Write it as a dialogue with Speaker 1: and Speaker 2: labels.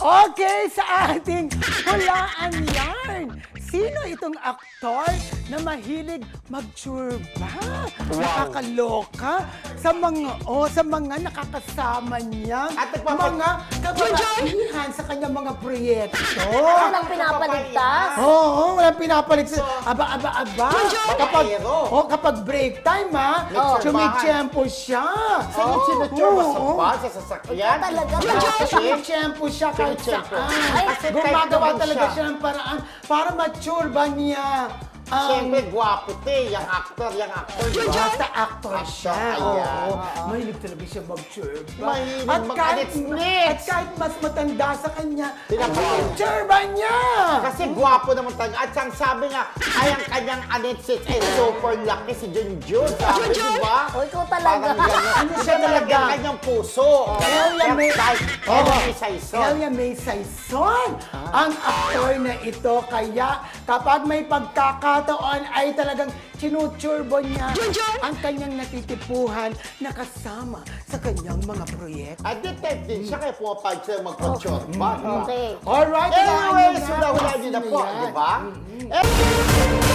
Speaker 1: Okay, sa ating hulaan yarn. Sino itong aktor na mahilig magtsurba? Nakakaloka sa mga nakakasama niya.
Speaker 2: At
Speaker 1: mga kababaihan sa kanyang mga proyekto.
Speaker 3: Walang pinapaligtas.
Speaker 1: Oo, walang pinapalit sa aba. Kapag break time, chumichempo siya.
Speaker 2: Sinutsura sa
Speaker 1: Oo.
Speaker 2: bus, sa sasakyan.
Speaker 3: Talaga.
Speaker 1: Chumichempo siya kahit
Speaker 2: Chumichempo.
Speaker 1: saan. Gumagawa talaga siya ng paraan para matsurba niya.
Speaker 2: Siyempre, gwapo yung actor, di ba?
Speaker 1: Basta actor siya.
Speaker 2: Ayan.
Speaker 1: Oo. Mahilig talaga siya mag-churba.
Speaker 2: Mahilig
Speaker 1: At
Speaker 2: mag-anits-nits.
Speaker 1: kahit mas matanda sa kanya,
Speaker 2: Tinapos.
Speaker 1: churba niya!
Speaker 2: Kasi gwapo naman talaga. At ang sabi nga, ay ang kanyang anitsits ay super laki si Junjun. Sabi, di ba?
Speaker 3: O, ikaw talaga.
Speaker 2: Parang gano'n.
Speaker 1: Ano siya talaga?
Speaker 2: Ang kanyang puso.
Speaker 1: Elia May
Speaker 2: Saison.
Speaker 1: Elia May Saison ang aktor na ito. Kaya kapag may pagkakataon ay talagang chinuturbo niya ang kanyang natitipuhan na kasama sa kanyang mga proyekto.
Speaker 2: At detect din siya kaya pumapag siya magpa-chorba.
Speaker 3: Okay.
Speaker 1: Alright,
Speaker 2: Anyway,
Speaker 1: hulaan
Speaker 2: so
Speaker 1: niyo na.
Speaker 2: nahulaan niyo na
Speaker 1: Sino
Speaker 2: po,
Speaker 1: yan?
Speaker 2: di ba?